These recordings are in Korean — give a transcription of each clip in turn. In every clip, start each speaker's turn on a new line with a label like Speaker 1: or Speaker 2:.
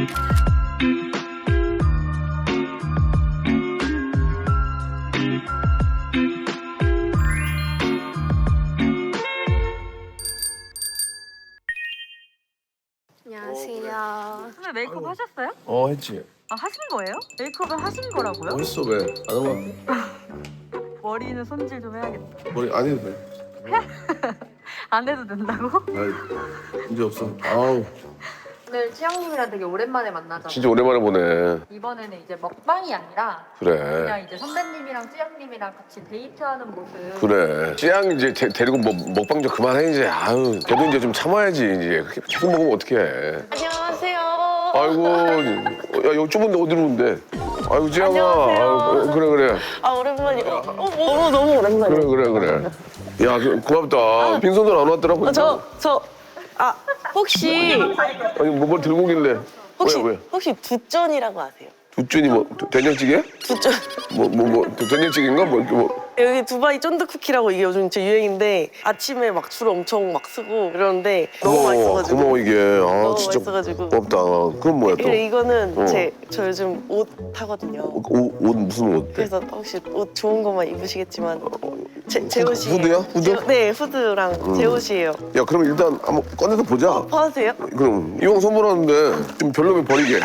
Speaker 1: 안녕하세요.
Speaker 2: 선배 메이크업 하셨어요?
Speaker 3: 했지.
Speaker 2: 아 하신 거예요? 메이크업을 하신 거라고요?
Speaker 3: 했어 왜? 안 한 거?
Speaker 2: 머리는 손질 좀 해야겠다.
Speaker 3: 머리 안 해도 돼.
Speaker 2: 안 해도 된다고?
Speaker 3: 아이, 문제 없어. 아우.
Speaker 1: 오늘 치영님이랑 되게 오랜만에 만나잖아요.
Speaker 3: 진짜 오랜만에 보네.
Speaker 1: 이번에는 이제 먹방이 아니라
Speaker 3: 그래.
Speaker 1: 그냥 이제 선배님이랑 찌영님이랑 같이 데이트하는 모습.
Speaker 3: 그래. 찌양 이제 데리고 먹방 좀 그만해 이제. 아유, 걔도 이제 좀 참아야지 이제. 계속 먹으면 어떡해.
Speaker 1: 안녕하세요.
Speaker 3: 아이고, 야 여기 좁은데 어디로 온대? 아이고 찌양아. 아이고, 그래.
Speaker 4: 아 오랜만이야. 너무 오랜만이야.
Speaker 3: 그래. 야 고맙다. 빈손으로 안 왔더라고.
Speaker 4: 혹시
Speaker 3: 아니 뭘 들고 오길래? 왜?
Speaker 4: 혹시 두전이라고 아세요?
Speaker 3: 두준이 뭐 된장찌개?
Speaker 4: 두전.
Speaker 3: 된장찌개인가 뭐.
Speaker 4: 여기 두바이 쫀득 쿠키라고 이게 요즘 진짜 유행인데 아침에 막 줄 엄청 막 쓰고 이러는데 너무 맛있어가지고.
Speaker 3: 고마워 이게. 아
Speaker 4: 너무
Speaker 3: 진짜
Speaker 4: 맛있어가지고.
Speaker 3: 고맙다. 그럼 뭐야 또?
Speaker 4: 그래 이거는 저 요즘 옷 하거든요.
Speaker 3: 옷 무슨 옷?
Speaker 4: 그래서 혹시 옷 좋은 것만 입으시겠지만 제 옷이에요.
Speaker 3: 후드야? 후드?
Speaker 4: 네 후드랑 제 옷이에요.
Speaker 3: 야 그럼 일단 한번 꺼내서 보자.
Speaker 4: 봐주세요.
Speaker 3: 그럼 이왕 선물하는데 좀 별로면 버리게.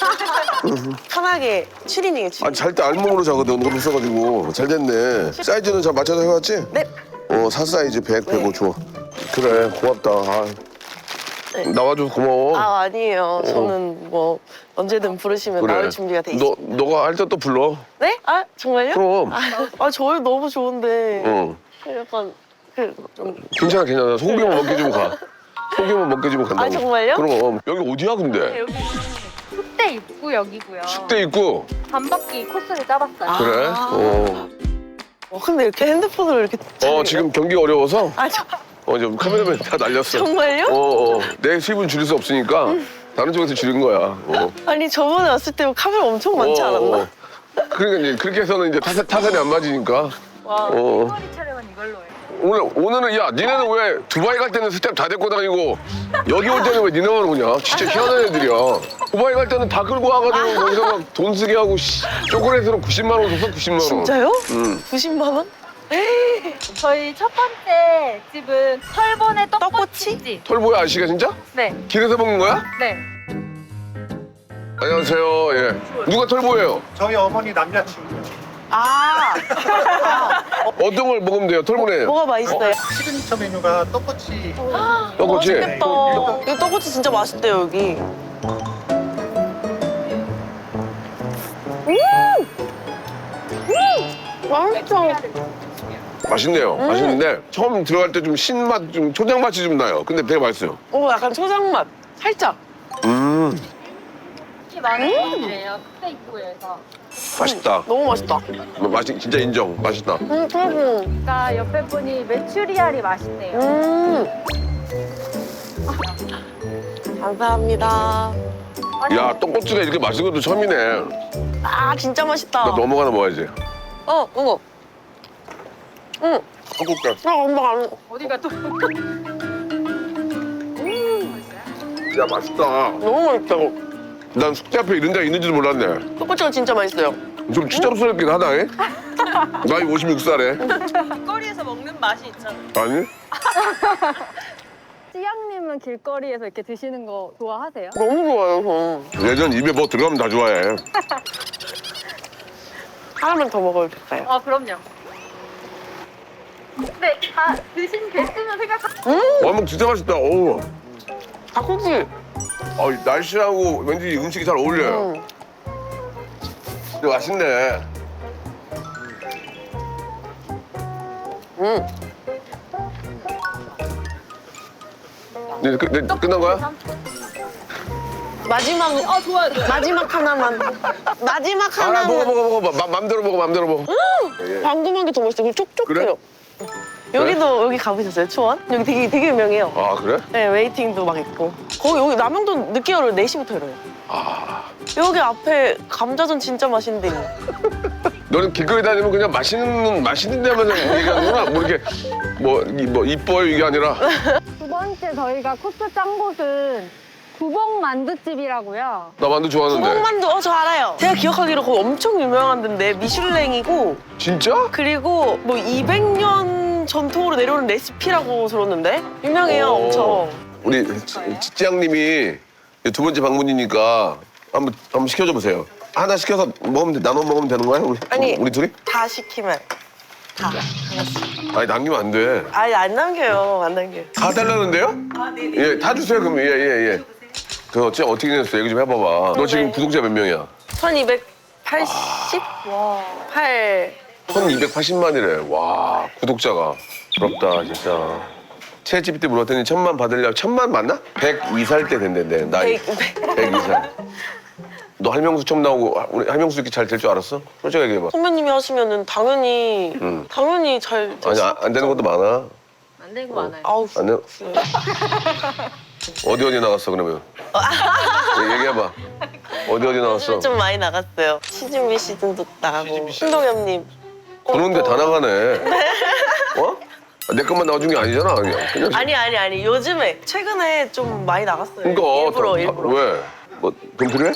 Speaker 4: 편하게 추리닝에 추리닝.
Speaker 3: 아니 잘 때 알몸으로 자거든. 너무 비싸가지고 잘 됐네. 사이즈는 잘 맞춰서 해왔지?
Speaker 4: 네.
Speaker 3: 4 사이즈 100, 105 좋아. 그래 고맙다.
Speaker 4: 네.
Speaker 3: 나와줘서 고마워.
Speaker 4: 아 아니에요. 저는 뭐 언제든 부르시면 나올 준비가 돼 있어요.
Speaker 3: 너가 할 때 또 불러.
Speaker 4: 네? 아 정말요?
Speaker 3: 그럼.
Speaker 4: 저희 너무 좋은데 약간 좀
Speaker 3: 괜찮아. 소고기만 먹게 가. 소고기만 먹게 간다고.
Speaker 4: 아, 정말요?
Speaker 3: 그럼. 여기 어디야 근데?
Speaker 1: 여기 숙대 입구역이고요.
Speaker 3: 숙대 있고.
Speaker 1: 반바퀴 코스를 짜봤어요.
Speaker 3: 그래?
Speaker 4: 근데 이렇게 핸드폰으로 이렇게
Speaker 3: 지금 경기가 어려워서
Speaker 4: 저
Speaker 3: 지금 카메라맨 다 날렸어.
Speaker 4: 정말요?
Speaker 3: 내 수입은 줄일 수 없으니까 다른 쪽에서 줄인 거야.
Speaker 4: 아니 저번에 왔을 때 카메라 엄청 많지 않았나?
Speaker 3: 그러니까 이제 그렇게 해서는 이제 타산이 안 맞으니까.
Speaker 1: 머리 촬영은 이걸로 해요.
Speaker 3: 오늘은 야 니네는 왜 두바이 갈 때는 스텝 다 데리고 다니고 여기 올 때는 왜 니네만 오냐? 진짜 희한한 애들이야. 두바이 갈 때는 다 끌고 와가지고 거기서 막 돈 쓰게 하고 초콜릿으로 90만 원 줬어 90만 원.
Speaker 4: 진짜요? 90만 원?
Speaker 1: 저희 첫 번째 집은 털보네 떡꼬치집.
Speaker 3: 털보야 아저씨가 진짜?
Speaker 1: 네.
Speaker 3: 길에서 먹는 거야?
Speaker 1: 네.
Speaker 3: 안녕하세요. 예. 누가 털보예요?
Speaker 5: 저희 어머니 남자친구.
Speaker 3: 어떤 걸 먹으면 돼요? 털보네.
Speaker 4: 뭐가 맛있어요?
Speaker 5: 시그니처 메뉴가 떡꼬치.
Speaker 3: 떡꼬치.
Speaker 4: 맛있겠다. 이거 떡꼬치 진짜 맛있대요 여기. 맛있어.
Speaker 3: 맛있네요. 맛있는데 처음 들어갈 때 좀 신맛, 좀 초장 맛이 좀 나요. 근데 되게 맛있어요.
Speaker 4: 약간 초장 맛 살짝.
Speaker 1: 특히 많은 분이래요. 숙대 입구에서.
Speaker 3: 맛있다.
Speaker 4: 너무 맛있다.
Speaker 3: 진짜 인정. 맛있다.
Speaker 1: 그러니까 옆에 분이 메추리알이 맛있대요.
Speaker 4: 감사합니다.
Speaker 3: 야, 떡꼬치가 이렇게 맛있는 것도 처음이네.
Speaker 4: 진짜 맛있다.
Speaker 3: 나 넘어가나 먹어야지.
Speaker 4: 어머.
Speaker 3: 떡볶이.
Speaker 4: 엄마 안.
Speaker 1: 어디가 또?
Speaker 3: 야, 맛있다.
Speaker 4: 너무 맛있다고.
Speaker 3: 난 숙제 앞에 이런 데가 있는지도 몰랐네.
Speaker 4: 떡꼬치가 진짜 맛있어요.
Speaker 3: 좀 추잡스럽긴 하다, 잉? 나이 56살에.
Speaker 4: 길거리에서 먹는 맛이 있잖아요.
Speaker 3: 아니?
Speaker 1: 찌양님은 길거리에서 이렇게 드시는 거 좋아하세요?
Speaker 4: 너무 좋아요, 저.
Speaker 3: 예전 입에 뭐 들어가면 다 좋아해.
Speaker 4: 하나만 더 먹어도 될까요?
Speaker 1: 그럼요. 네, 다 드신 됐으면
Speaker 3: 어묵 진짜 맛있다. 어우.
Speaker 4: 닭꼬치.
Speaker 3: 날씨하고 왠지 음식이 잘 어울려요. 근데 맛있네. 네, 끝난 거야?
Speaker 4: 마지막.
Speaker 1: 좋아요.
Speaker 4: 마지막 하나만. 마지막
Speaker 3: 알아,
Speaker 4: 하나만.
Speaker 3: 먹어. 맘대로 먹어.
Speaker 4: 방금 한 게 더 맛있어요. 촉촉해요. 여기도 여기 가보셨어요? 초원? 여기 되게 유명해요.
Speaker 3: 아, 그래?
Speaker 4: 네, 웨이팅도 막 있고. 여기 남영도 늦게 열어요. 4시부터 열어요. 여기 앞에 감자전 진짜 맛있는데.
Speaker 3: 너는 길거리 다니면 그냥 맛있는 데만 얘기하는구나. 뭐 이렇게 뭐 이뻐요 이게 아니라.
Speaker 1: 두 번째 저희가 코스 짠 곳은 구봉 만두집이라고요.
Speaker 3: 나 만두 좋아하는데.
Speaker 4: 구멍만두 저 알아요. 제가 기억하기로 거기 엄청 유명한 데인데 미슐랭이고
Speaker 3: 진짜?
Speaker 4: 그리고 뭐 200년 전통으로 내려오는 레시피라고 들었는데 유명해요
Speaker 3: 오.
Speaker 4: 엄청.
Speaker 3: 우리 찌양님이 두 번째 방문이니까 한번 시켜줘 보세요. 하나 시켜서 먹으면 나눠 먹으면 되는 거야? 우리 둘이?
Speaker 4: 다 시키면 다.
Speaker 3: 아니 남기면 안 돼.
Speaker 4: 아니 안 남겨요 안 남겨요.
Speaker 3: 다 달라는데요?
Speaker 4: 아 네네.
Speaker 3: 예, 다 주세요 그럼. 예. 그 어떻게 됐어? 얘기 좀 해봐봐. 너 지금
Speaker 4: 네.
Speaker 3: 구독자 몇 명이야?
Speaker 4: 1288.
Speaker 3: 1280만이래. 와, 구독자가. 부럽다, 진짜. 채집때 물었더니 1000만 받으려고. 1000만 맞나? 102살 때 된대, 나이. 102살. 너 할명수 처음 나오고 우리 할명수 이렇게 잘 될 줄 알았어? 솔직하게 얘기해봐.
Speaker 4: 선배님이 하시면은 당연히 잘
Speaker 3: 아니, 안 되는 것도 많아.
Speaker 1: 안 되는 거 많아요.
Speaker 4: 아우
Speaker 3: 안 돼? 어디 나갔어, 그러면? 얘기해봐. 어디 나갔어?
Speaker 4: 좀 많이 나갔어요. 시즈미 시즌도 나가고 신동엽님.
Speaker 3: 그런데 다 나가네. 어? 내 것만 나와준 게 아니잖아. 그냥.
Speaker 4: 아니 요즘에 최근에 좀 많이 나갔어요.
Speaker 3: 그러니까
Speaker 4: 일부러.
Speaker 3: 왜? 뭐 돈 필요해?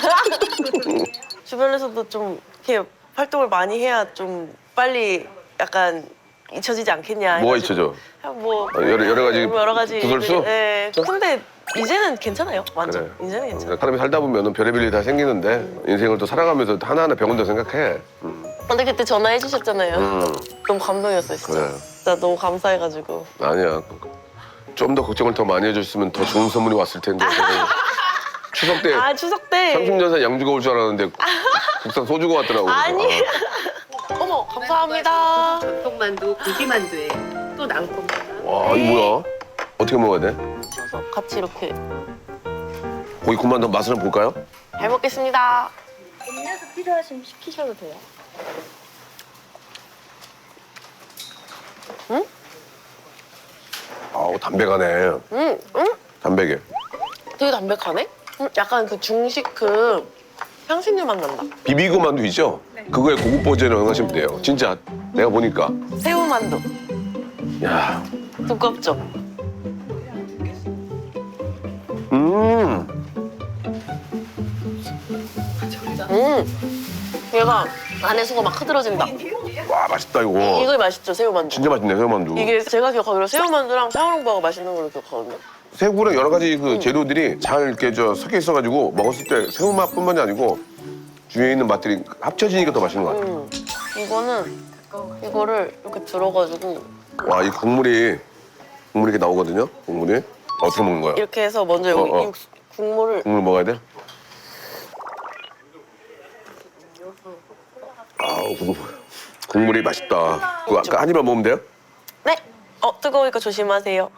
Speaker 4: 주변에서도 좀 이렇게 활동을 많이 해야 좀 빨리 약간 잊혀지지 않겠냐.
Speaker 3: 뭐가
Speaker 4: 해가지고.
Speaker 3: 잊혀져?
Speaker 4: 뭐
Speaker 3: 여러 가지 구설수?
Speaker 4: 네. 근데 이제는 괜찮아요. 완전.
Speaker 3: 그래.
Speaker 4: 이제는 괜찮아.
Speaker 3: 사람이 살다 보면 별의별 일이 다 생기는데 인생을 또 살아가면서 하나하나 배운다 생각해.
Speaker 4: 근데 그때 전화해 주셨잖아요. 너무 감동이었어요, 진짜.
Speaker 3: 그래.
Speaker 4: 진짜 너무 감사해가지고.
Speaker 3: 아니야. 좀 더 걱정을 더 많이 해줬으면 더 좋은 선물이 왔을 텐데. 추석 때
Speaker 4: 추석 때.
Speaker 3: 30년 산 양주가 올 줄 알았는데 국산 소주가 왔더라고.
Speaker 4: 아니. 어머, 감사합니다.
Speaker 6: 전통만두, 고기만두예요. 또 낭kop니다.
Speaker 3: 와, 이거 뭐야? 어떻게 먹어야 돼?
Speaker 4: 그래서 같이 이렇게.
Speaker 3: 고기 군만두 맛을 한번 볼까요?
Speaker 4: 잘 먹겠습니다.
Speaker 1: 음료수 필요하시면 시키셔도 돼요.
Speaker 3: 아우, 담백하네. 담백해.
Speaker 4: 되게 담백하네? 약간 그 중식 그 향신료 맛 난다.
Speaker 3: 비비고 만두 있죠? 그거에 고급 버전을 응하시면 돼요. 진짜 내가 보니까.
Speaker 4: 새우만두.
Speaker 3: 야,
Speaker 4: 두껍죠? 얘가 안에 수가 막 흐드러진다.
Speaker 3: 와 맛있다 이거.
Speaker 4: 이거 맛있죠, 새우만두.
Speaker 3: 진짜 맛있네 새우만두.
Speaker 4: 이게 제가 기억하기로 새우만두랑 샤오롱바가 맛있는 걸로 기억하거든요.
Speaker 3: 새우랑 여러 가지 그 재료들이 잘 이렇게 섞여 있어가지고 먹었을 때 새우 맛뿐만이 아니고 주위에 있는 맛들이 합쳐지니까 더 맛있는 것 같아.
Speaker 4: 이거를 이렇게 들어가지고
Speaker 3: 와, 이 국물이 이렇게 나오거든요. 국물이 어떻게 먹는 거야?
Speaker 4: 이렇게 해서 먼저 여기 국물을
Speaker 3: 국물 먹어야 돼? 아우 국물이 맛있다. 그거 아까 한 입만 먹으면 돼요?
Speaker 4: 네. 뜨거우니까 조심하세요.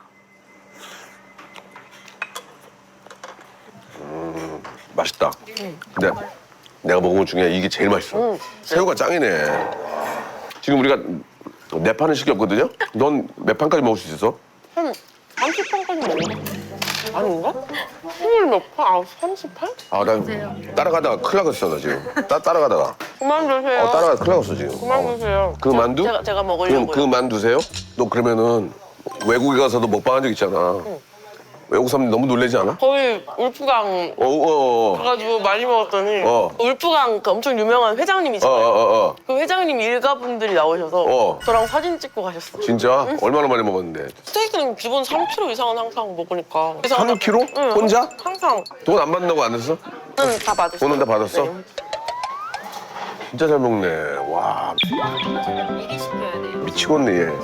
Speaker 3: 맛있다. 근데 내가 먹은 것 중에 이게 제일 맛있어. 새우가 짱이네. 지금 우리가 4판을 시켰거든요? 넌 몇 판까지 먹을 수 있어?
Speaker 4: 한 30판까지 먹나? 아닌가? 20몇 판? 30판?
Speaker 3: 아, 나 따라가다가 큰일 나겠어, 나 지금. 따라가다가.
Speaker 4: 그만 드세요.
Speaker 3: 따라가다 큰일 나겠어, 지금.
Speaker 4: 그만 드세요.
Speaker 3: 그 만두?
Speaker 4: 제가 먹으려고요.
Speaker 3: 그 만두세요? 너 그러면은 외국에 가서도 먹방한 적 있잖아. 외국 사람들 너무 놀라지 않아?
Speaker 4: 거의 울프강 가가지고 많이 먹었더니 울프강 그 엄청 유명한 회장님이잖아요. 그 회장님 일가분들이 나오셔서 저랑 사진 찍고 가셨어.
Speaker 3: 진짜? 얼마나 많이 먹었는데?
Speaker 4: 스테이크는 기본 3kg 이상은 항상 먹으니까.
Speaker 3: 3kg?
Speaker 4: 응,
Speaker 3: 혼자?
Speaker 4: 항상.
Speaker 3: 돈 안 받는다고 안 했어?
Speaker 4: 저는 다 받았어요.
Speaker 3: 돈은 다 받았어?
Speaker 4: 네.
Speaker 3: 진짜 잘 먹네. 와,
Speaker 1: 미리 시켜야 돼요.
Speaker 3: 미치겠네, 얘.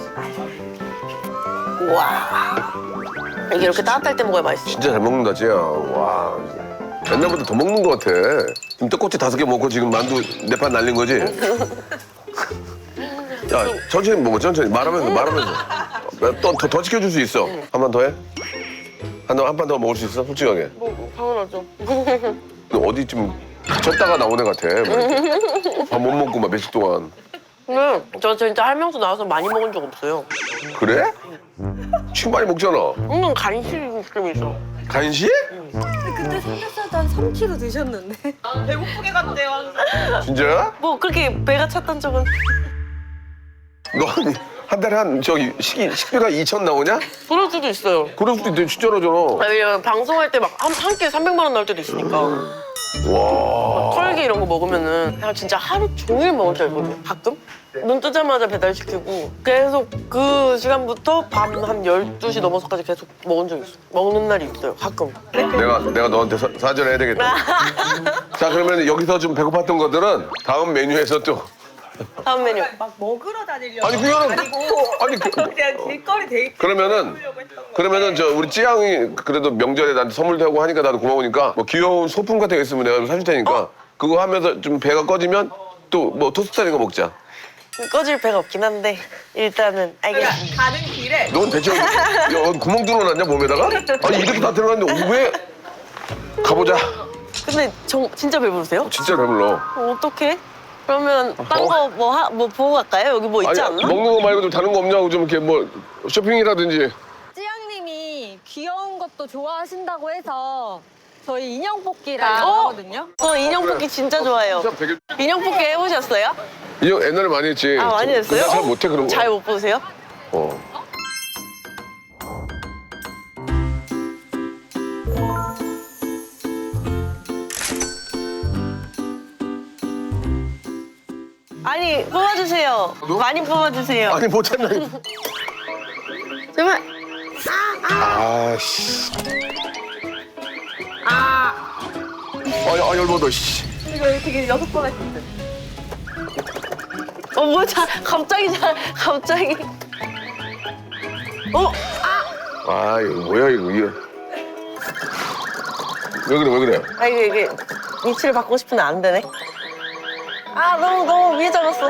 Speaker 4: 우와. 이게 이렇게 따뜻할 때 먹어야 맛있어.
Speaker 3: 진짜 잘 먹는다, 쟤야. 와. 옛날보다 더 먹는 것 같아. 지금 떡꼬치 5개 먹고 지금 만두 4판 날린 거지? 야, 천천히 먹어, 천천히. 말하면서. 더 지켜줄 수 있어. 한 판 더 해? 한 판 더 먹을 수 있어? 솔직하게.
Speaker 4: 뭐, 당연하죠.
Speaker 3: 너 어디 좀 갇혔다가 나온 애 같아. 밥 못 먹고 막 며칠 동안.
Speaker 4: 근데 저 진짜 할명수 나와서 많이 먹은 적 없어요.
Speaker 3: 그래? 지금 많이 먹잖아.
Speaker 4: 은근 간식 느낌이 있어.
Speaker 3: 간식?
Speaker 1: 그때 삼겹살도 한 3kg 드셨는데.
Speaker 4: 배고프게 갔대요.
Speaker 3: 진짜야?
Speaker 4: 뭐 그렇게 배가 찼던 적은.
Speaker 3: 너 아니 한 달에 한 저기 식비가 2천 나오냐?
Speaker 4: 그럴 수도 있어요.
Speaker 3: 그럴 수도 있대 진짜로잖아.
Speaker 4: 왜냐면 방송할 때 막 한 끼에 300만 원 나올 때도 있으니까.
Speaker 3: 와.
Speaker 4: 털기 이런 거 먹으면은 그냥 진짜 하루 종일 먹을 때 있거든요. 가끔. 눈 뜨자마자 배달시키고 계속 그 시간부터 밤 한 12시 넘어서까지 계속 먹은 적 있어요. 먹는 날이 있어요. 가끔.
Speaker 3: 내가 너한테 사죄를 해야 되겠다. 자 그러면 여기서 좀 배고팠던 것들은 다음 메뉴에서 또
Speaker 4: 다음 메뉴.
Speaker 6: 막 먹으러 다니려고
Speaker 3: 아니 그거는 아니
Speaker 6: 그냥 길거리 데이트
Speaker 3: 그러면은 저 우리 찌양이 그래도 명절에 나한테 선물도 하고 하니까 나도 고마우니까 뭐 귀여운 소품 같은 거 있으면 내가 좀 사줄 테니까 그거 하면서 좀 배가 꺼지면 또 뭐 토스트 같은 거 먹자.
Speaker 4: 꺼질 배가 없긴 한데 일단은 알겠습니다.
Speaker 6: 가는 길에
Speaker 3: 넌 대체 야, 구멍 뚫어놨냐 몸에다가? 아니 이렇게 다 들어갔는데 왜? 가보자.
Speaker 4: 근데 진짜 배부르세요?
Speaker 3: 진짜 배불러.
Speaker 4: 어떡해? 그러면 딴 거 뭐 보고 갈까요? 여기 뭐 있지 않나?
Speaker 3: 먹는 거 말고 좀 다른 거 없냐고 좀 이렇게 뭐 쇼핑이라든지.
Speaker 1: 찌양님이 귀여운 것도 좋아하신다고 해서 저희 인형 뽑기를
Speaker 4: 어?
Speaker 1: 하거든요.
Speaker 4: 저 인형 뽑기 진짜 좋아해요.
Speaker 3: 진짜 되게
Speaker 4: 인형 뽑기 해보셨어요?
Speaker 3: 이거 옛날에 많이 했지.
Speaker 4: 아 많이 했어요?
Speaker 3: 잘 못해 그런 거.
Speaker 4: 잘 못 보세요?
Speaker 3: 어.
Speaker 4: 아니 뽑아주세요. 많이 뽑아주세요.
Speaker 3: 아니 못했나?
Speaker 4: 제발.
Speaker 3: 아씨. 열받아 씨.
Speaker 1: 이거 되게 6번 했는데.
Speaker 4: 뭐야 갑자기.
Speaker 3: 아 이거 뭐야 이거. 왜 그래?
Speaker 4: 아 이게 위치를 바꾸고 싶은데 안 되네. 아 너무 위에 잡았어.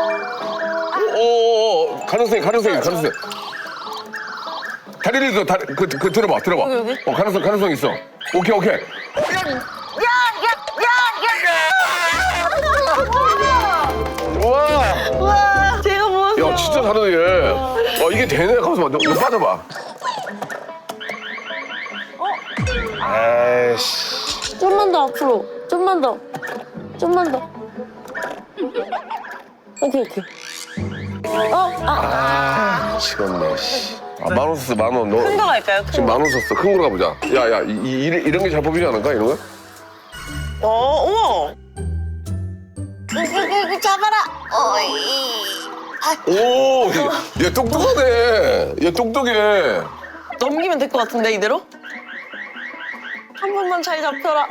Speaker 3: 오 가능성이. 다리를 들어 그 들어봐.
Speaker 4: 여기?
Speaker 3: 가능성 있어. 오케이.
Speaker 4: 와 제가 먹었어.
Speaker 3: 야 진짜 잘하네 얘. 이게 되네. 가만있어 봐. 너 빠져봐. 에이씨.
Speaker 4: 좀만 더 앞으로. 좀만 더. 오케이.
Speaker 3: 미치겠네 씨. 10,000원 썼어 10,000원. 너
Speaker 4: 큰 거 갈까요?
Speaker 3: 지금 10,000원 썼어. 큰 거로 가보자. 야 이런 게 잘 뽑히지 않을까 이런 거?
Speaker 4: 우와. 잡아라.
Speaker 3: 오, 얘 똑똑하네. 얘 똑똑해.
Speaker 4: 넘기면 될 것 같은데 이대로? 한 번만 잘 잡혀라.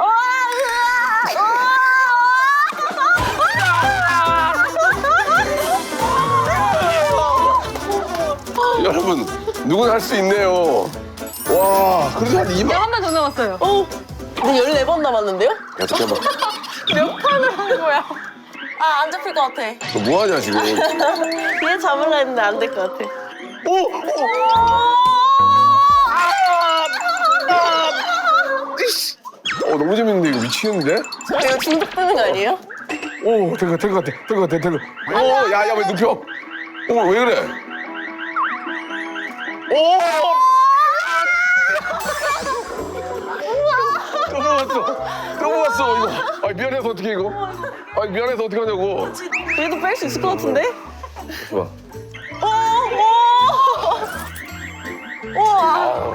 Speaker 3: 여러분, 누구나 할 수 있네요. 와, 그래도 한 2만.
Speaker 1: 한 번 더 남았어요.
Speaker 4: 근데 14번 남았는데요?
Speaker 3: 야, 잠깐만.
Speaker 4: 몇 판을 한 거야? 아, 안 잡힐 것 같아.
Speaker 3: 너 뭐하냐, 지금?
Speaker 4: 얘 잡으려 했는데 안 될 것 같아.
Speaker 3: 너무 재밌는데, 이거 미치겠는데?
Speaker 4: 이거 중독되는 거 아니에요?
Speaker 3: 오, 될 것 같아. 오, 야, 왜 눕혀? 오, 왜 그래? 오! 또 먹었어, 이거. 미안해서 어떻게 이거? 미안해서 어떻게 하냐고.
Speaker 4: 그래도 뺄 수 있을 것 같은데?
Speaker 3: 좋아.
Speaker 4: 우와.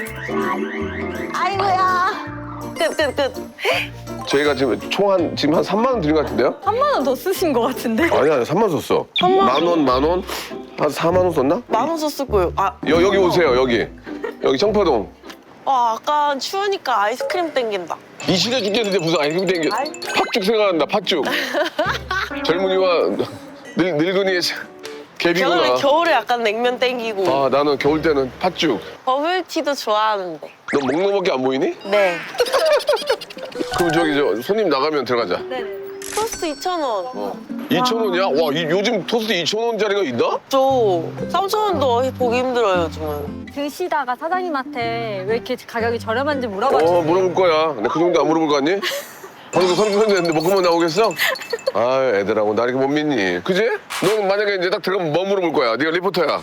Speaker 4: 아이고야. 끝.
Speaker 3: 저희가 지금 지금 한 3만 원 드린 것 같은데요?
Speaker 1: 3만 원 더 쓰신 것 같은데?
Speaker 3: 아니야, 3만 원 썼어. 10,000원, 한 4만 원 썼나?
Speaker 4: 10,000원 썼을 거예요.
Speaker 3: 여기 오세요, 여기 청포동.
Speaker 4: 아까 추우니까 아이스크림 땡긴다.
Speaker 3: 이실해 죽겠는데 무슨 아이스크림 땡겨. 팥죽 생각난다, 팥죽. 젊은이와 늙은이의 갭이구나.
Speaker 4: 겨울에 약간 냉면 땡기고.
Speaker 3: 나는 겨울 때는 팥죽.
Speaker 4: 버블티도 좋아하는데.
Speaker 3: 너 먹는 거밖에 안 보이니?
Speaker 4: 네.
Speaker 3: 그럼 저기 손님 나가면 들어가자.
Speaker 4: 토스트 2,000원.
Speaker 3: 2,000원이야? 와, 요즘 토스트 2,000원짜리가 있나?
Speaker 4: 저 3,000원도 보기 힘들어요, 요즘은.
Speaker 1: 드시다가 사장님한테 왜 이렇게 가격이 저렴한지 물어봐주세요.
Speaker 3: 물어볼 거야. 근데 그 정도 안 물어볼 거 같니? 방금 선전했는데 먹으면 나오겠어? 애들하고 나 이렇게 못 믿니? 그지? 넌 만약에 이제 딱 들어가면 뭐 물어볼 거야? 네가 리포터야.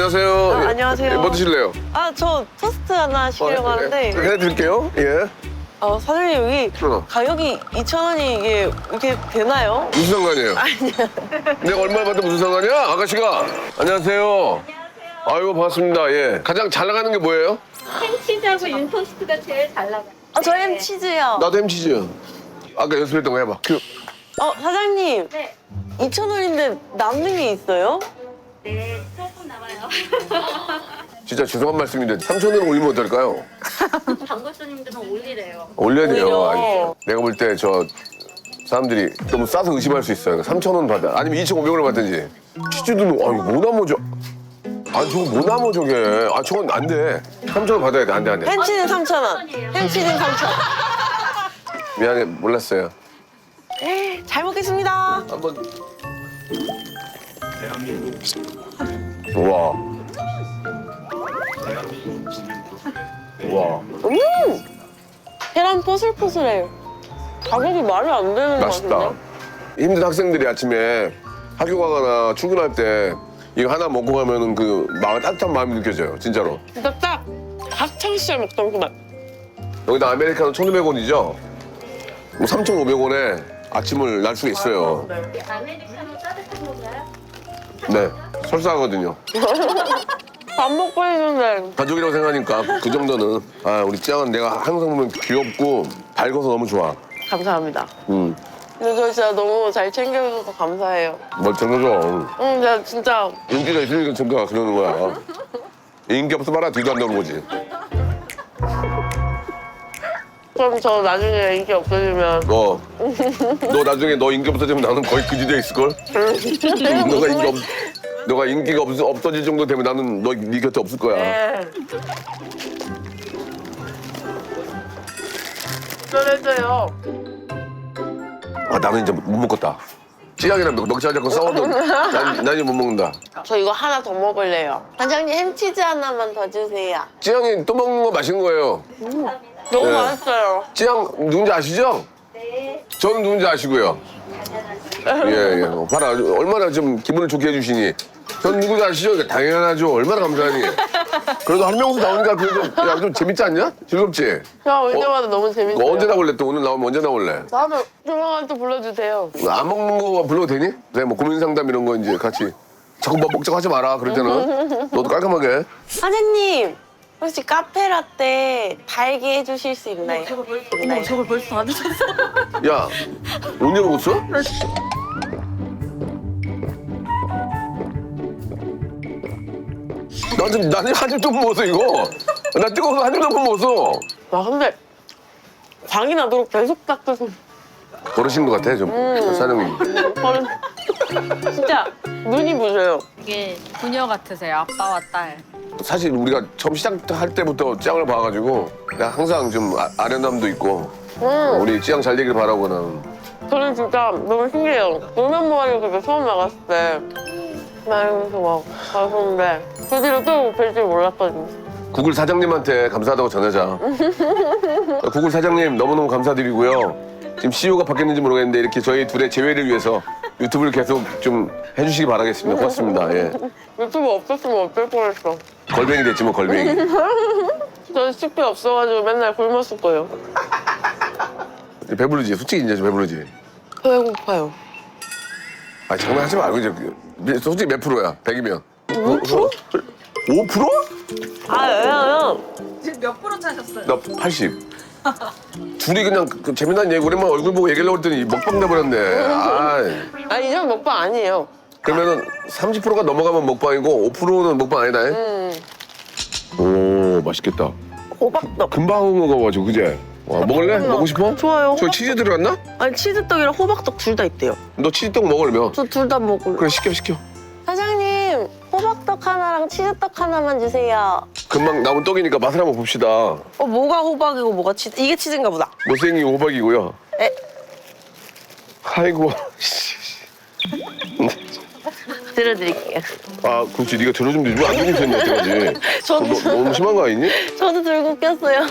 Speaker 3: 안녕하세요.
Speaker 4: 안녕하세요.
Speaker 3: 뭐 드실래요?
Speaker 4: 저 토스트 하나 시키려고 하는데.
Speaker 3: 해드릴게요. 예.
Speaker 4: 사장님 여기
Speaker 3: 어.
Speaker 4: 가격이 2,000원이 이게 이렇게 되나요?
Speaker 3: 무슨 상관이에요? 내가 얼마 받다 무슨 상관이야? 아가씨가. 안녕하세요. 아이고 반갑습니다. 예. 가장 잘 나가는 게 뭐예요?
Speaker 7: 햄치즈하고 윤토스트가 제일 잘 나가요.
Speaker 4: 저 햄치즈요.
Speaker 3: 나도 햄치즈. 아까 연습했던 거 해봐.
Speaker 4: 사장님.
Speaker 7: 네.
Speaker 4: 2,000원인데 남는 게 있어요?
Speaker 7: 네, 조금 남아요.
Speaker 3: 진짜 죄송한 말씀인데 3,000원 올리면 어떨까요?
Speaker 7: 광고 손님들은 올리래요.
Speaker 3: 올려야 돼요.
Speaker 4: 오히려.
Speaker 3: 아니, 내가 볼 때 저 사람들이 너무 싸서 의심할 수 있어요. 3,000원 받아. 아니면 2,500원을 받든지. 치즈도 이거 뭐 남어 저. 아니 저거 뭐 남어 저게. 아 저건 안 돼. 3,000원 받아야 돼. 안 돼 안 돼.
Speaker 4: 햄치즈는 3,000원. 햄치즈는 3,000원.
Speaker 3: 미안해 몰랐어요.
Speaker 4: 잘 먹겠습니다.
Speaker 3: 한번. 우와. 우와.
Speaker 4: 계란 포슬포슬해요. 가격이 말이 안 되는 것
Speaker 3: 맛있다.
Speaker 4: 같은데?
Speaker 3: 힘든 학생들이 아침에 학교 가거나 출근할 때 이거 하나 먹고 가면은 그 마음 따뜻한 마음이 느껴져요. 진짜로.
Speaker 4: 진짜 딱 학창시절 먹던 그 맛.
Speaker 3: 여기다 아메리카노 1,200원이죠? 뭐 3,500원에 아침을 날 수가 있어요.
Speaker 7: 아메리카노 따뜻한 건가요?
Speaker 3: 네. 설사하거든요.
Speaker 4: 밥 먹고 있는데.
Speaker 3: 가족이라고 생각하니까 그 정도는. 아, 우리 짱은 내가 항상 보면 귀엽고 밝아서 너무 좋아.
Speaker 4: 감사합니다. 근데 저 진짜 너무 잘 챙겨줘서 감사해요.
Speaker 3: 뭘 챙겨줘.
Speaker 4: 제가 진짜
Speaker 3: 인기가 있으니까 챙겨 그러는 거야. 인기 없으면 뒤도 안 나오는 거지.
Speaker 4: 그럼 저 나중에 인기 없어지면
Speaker 3: 너 나중에 너 인기 없어지면 나는 거의 그 지대에 있을걸? 너가 인기가 없어질 정도 되면 나는 네 곁에 없을 거야.
Speaker 4: 네. 그래서요.
Speaker 3: 아, 나는 이제 못 먹겠다. 찌양이랑 넉살 잡고 싸워도 난 이제 못 먹는다.
Speaker 4: 저 이거 하나 더 먹을래요. 사장님 햄치즈 하나만 더 주세요.
Speaker 3: 찌양이 또 먹는 거 맛있는 거예요.
Speaker 4: 너무
Speaker 3: 네.
Speaker 4: 맛있어요.
Speaker 3: 찌양 누군지 아시죠?
Speaker 7: 네,
Speaker 3: 저는 누군지 아시고요. 예. 봐라. 얼마나 좀 기분을 좋게 해주시니. 전 누구지 아시죠? 당연하죠. 얼마나 감사하니. 그래도 한 명씩 나오니까 그래도 야, 좀 재밌지 않냐? 즐겁지?
Speaker 4: 저 올 때마다 너무 재밌어요.
Speaker 3: 언제 나올래? 또 오늘 나오면 언제 나올래?
Speaker 4: 다음에 조만간 또 불러주세요.
Speaker 3: 안 먹는 거 불러도 되니? 네, 뭐 고민 상담 이런 거 이제 같이 자꾸 뭐 먹자고 하지 마라. 그럴 때는 너도 깔끔하게.
Speaker 4: 사장님 혹시 카페라떼 달게 해주실 수 있나요? 있나요?
Speaker 2: 저걸 벌써 다 드셨어?
Speaker 3: 야, 언제 먹었어? 나는 한 입도 못 먹었어 이거. 나 뜨거워서 한 입도 못 먹었어.
Speaker 4: 와 근데 광이 나도록 계속 닦아서
Speaker 3: 버릇인 것 같아 좀 사장님.
Speaker 4: 저는 진짜 눈이 부셔요.
Speaker 1: 이게 부녀 같으세요, 아빠와 딸.
Speaker 3: 사실 우리가 처음 시작할 때부터 짱을 봐가지고 내가 항상 좀 아련함도 있고 우리 짱 잘 되길 바라고 나는.
Speaker 4: 저는 진짜 너무 신기해요. 놀면 뭐하려고 그때 처음 나갔을 때 막 이러면서 막 가서인데 그 뒤로 또 뵐 줄 몰랐거든요.
Speaker 3: 구글 사장님한테 감사하다고 전하자. 구글 사장님 너무너무 감사드리고요. 지금 CEO가 바뀌었는지 모르겠는데 이렇게 저희 둘의 재회를 위해서 유튜브를 계속 좀 해주시기 바라겠습니다. 고맙습니다. 예.
Speaker 4: 유튜브 없었으면 어쩔 뻔했어.
Speaker 3: 걸뱅이 됐지 뭐 걸뱅이.
Speaker 4: 저 식비 없어가지고 맨날 굶었을 거예요.
Speaker 3: 배부르지? 솔직히 이제 좀 배부르지?
Speaker 4: 배고파요.
Speaker 3: 아 장난하지 말고 이제 솔직히 몇 프로야? 100이면
Speaker 4: 5%?
Speaker 3: 5%?
Speaker 4: 아 왜냐면
Speaker 6: 지금 몇 프로 차셨어요?
Speaker 3: 나 80. 둘이 그냥 그 재미난 얘기 오랜만에 얼굴 보고 얘기하려고 했더니 먹방 돼버렸네. 아
Speaker 4: 이전 먹방 아니에요.
Speaker 3: 그러면은 30%가 넘어가면 먹방이고 5%는 먹방 아니다. 오 맛있겠다.
Speaker 4: 호박떡.
Speaker 3: 금방 먹어가지고 그제? 와 먹을래? 먹고 싶어?
Speaker 4: 좋아요.
Speaker 3: 저 치즈 들어갔나?
Speaker 4: 아니 치즈떡이랑 호박떡 둘 다 있대요.
Speaker 3: 너 치즈떡 먹으려면
Speaker 4: 저 둘 다 먹을래.
Speaker 3: 그래 시켜.
Speaker 4: 사장님 호박떡 하나랑 치즈떡 하나만 주세요.
Speaker 3: 금방 나온 떡이니까 맛을 한번 봅시다.
Speaker 4: 뭐가 호박이고 뭐가 치즈? 이게 치즈인가 보다.
Speaker 3: 못생긴 호박이고요.
Speaker 4: 에?
Speaker 3: 아이고.
Speaker 4: 들어드릴게요.
Speaker 3: 아 그렇지 네가 들어주면 되지. 왜안 들고 있었냐 여태까지.
Speaker 4: 저도
Speaker 3: 너무 심한 거 아니니?
Speaker 4: 저도 들고 꼈어요.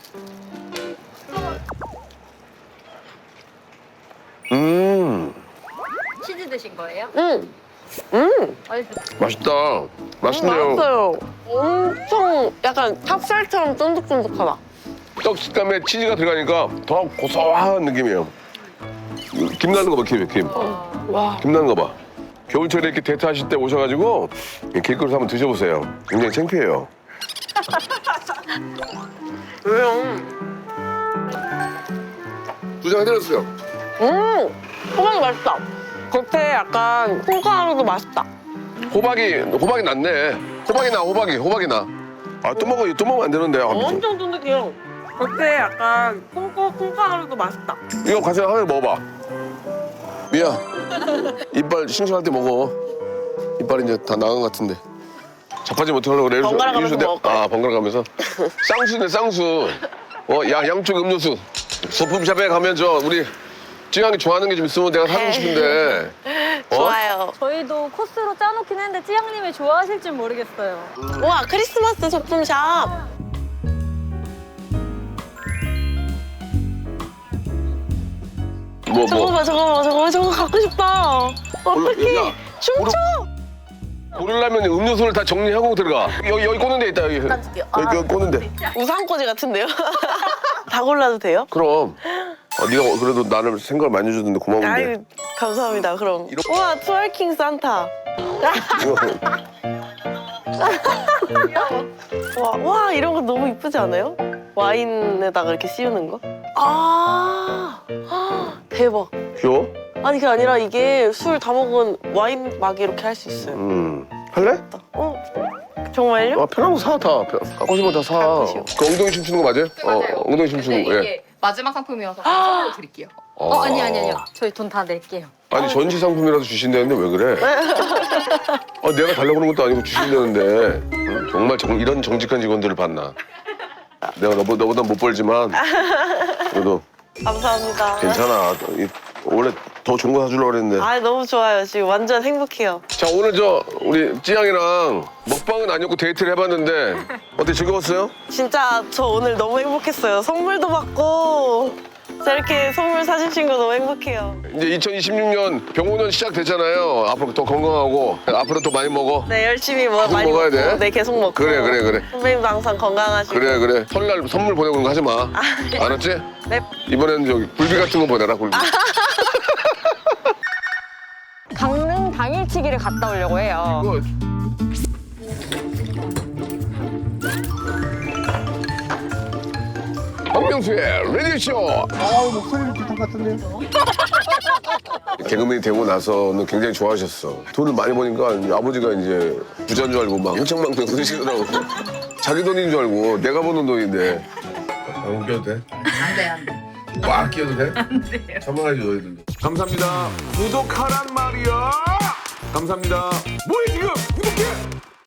Speaker 1: 치즈 드신 거예요?
Speaker 3: 맛있다. 맛있네요.
Speaker 4: 맛있어요. 엄청 약간 찹쌀처럼 쫀득쫀득하다.
Speaker 3: 떡 식감에 치즈가 들어가니까 더 고소한 느낌이에요. 김 나는 거 봐, 김.
Speaker 4: 와.
Speaker 3: 김 나는 거 봐. 겨울철에 이렇게 데이트하실 때 오셔가지고 길거리에서 한번 드셔보세요. 굉장히 창피해요.
Speaker 4: 왜요?
Speaker 3: 두 장 해드렸어요.
Speaker 4: 호박이 맛있다. 겉에 약간 콩가루도 맛있다.
Speaker 3: 호박이 낫네. 호박이 나. 아, 또 먹으면 안 되는데. 아,
Speaker 4: 엄청 쫀득해요. 겉에 약간 콩가루도 맛있다.
Speaker 3: 이거 가서 하나 먹어봐. 미야, 이빨 싱싱할 때 먹어. 이빨이 이제 다 나간 것 같은데. 자빠지 못하려고 그래.
Speaker 4: 번갈아 가면서
Speaker 3: 이래서
Speaker 4: 먹을 거야.
Speaker 3: 아, 번갈아 가면서. 쌍수네, 쌍수. 양쪽 음료수. 소품샵에 가면 우리 찌양이 좋아하는 게 좀 있으면 내가 사주고 싶은데.
Speaker 4: 좋아요.
Speaker 1: 저희도 코스로 짜놓긴 했는데 찌양님이 좋아하실지 모르겠어요.
Speaker 4: 와, 크리스마스 소품샵. 저거 봐, 저거 갖고 싶다. 어떡해. 춤춰.
Speaker 3: 고르려면 음료수를 다 정리하고 들어가. 여기 꽂는 데 있다, 여기. 여기 꽂는 데.
Speaker 4: 우산꽂이 같은데요? 다 골라도 돼요?
Speaker 3: 그럼. 네가 그래도 나를 생각을 많이 해줬는데 고마운데.
Speaker 4: 아유, 감사합니다. 그럼. 우와, 트월킹 산타. 와, 이런 거 너무 이쁘지 않아요? 와인에다가 이렇게 씌우는 거? 대박.
Speaker 3: 귀여워?
Speaker 4: 아니, 그게 아니라 이게 술 다 먹은 와인 막이 이렇게 할 수 있어요.
Speaker 3: 할래?
Speaker 4: 정말요?
Speaker 3: 아, 편한 거 사, 다. 갖고 싶은 거 다 사.
Speaker 4: 갖고 싶어.
Speaker 3: 그 엉덩이 춤추는 거 맞아요? 엉덩이 춤추는 거,
Speaker 8: 이게 마지막 상품이어서 선물로 드릴게요.
Speaker 1: 아니요. 저희 돈 다 낼게요.
Speaker 3: 아니, 전시 상품이라도 주신다는데 왜 그래? 내가 달라고 하는 것도 아니고 주신다는데. 응? 정말 이런 정직한 직원들을 봤나. 내가 너보다 못 벌지만 그래도
Speaker 4: 감사합니다.
Speaker 3: 괜찮아. 원래 더 좋은 거 사주려고 그랬는데.
Speaker 4: 아, 너무 좋아요. 지금 완전 행복해요.
Speaker 3: 자, 오늘 우리 찌양이랑 먹방은 아니었고 데이트를 해봤는데 어때, 즐거웠어요?
Speaker 4: 진짜 저 오늘 너무 행복했어요. 선물도 받고 이렇게 선물 사주신 거 너무 행복해요.
Speaker 3: 이제 2026년 병원년 시작됐잖아요. 앞으로 더 건강하고 앞으로 더 많이 먹어.
Speaker 4: 네, 열심히
Speaker 3: 계속
Speaker 4: 많이
Speaker 3: 먹어야
Speaker 4: 먹고,
Speaker 3: 돼.
Speaker 4: 네, 계속 먹고.
Speaker 3: 그래.
Speaker 4: 선배님도 항상 건강하시고.
Speaker 3: 그래. 설날 선물 보내고 그런 거 하지 마. 알았지?
Speaker 4: 네.
Speaker 3: 이번에는 저기 굴비 같은 거 보내라, 굴비.
Speaker 1: 강릉 당일치기를 갔다 오려고 해요.
Speaker 3: 이거 박명수의 라디오쇼.
Speaker 5: 목소리는 비슷한 것 같은데요?
Speaker 3: 개그맨이 되고 나서는 굉장히 좋아하셨어. 돈을 많이 버니까 아버지가 이제 부자인 줄 알고 막 흥청망청 쓰시더라고. 자기 돈인 줄 알고 내가 버는 돈인데. 안 웃겨도 돼?
Speaker 8: 안 돼.
Speaker 3: 막 끼어도 돼? 안 돼요. 참아야지, 너희들도. 감사합니다. 구독하란 말이야. 감사합니다. 뭐해 지금? 구독해.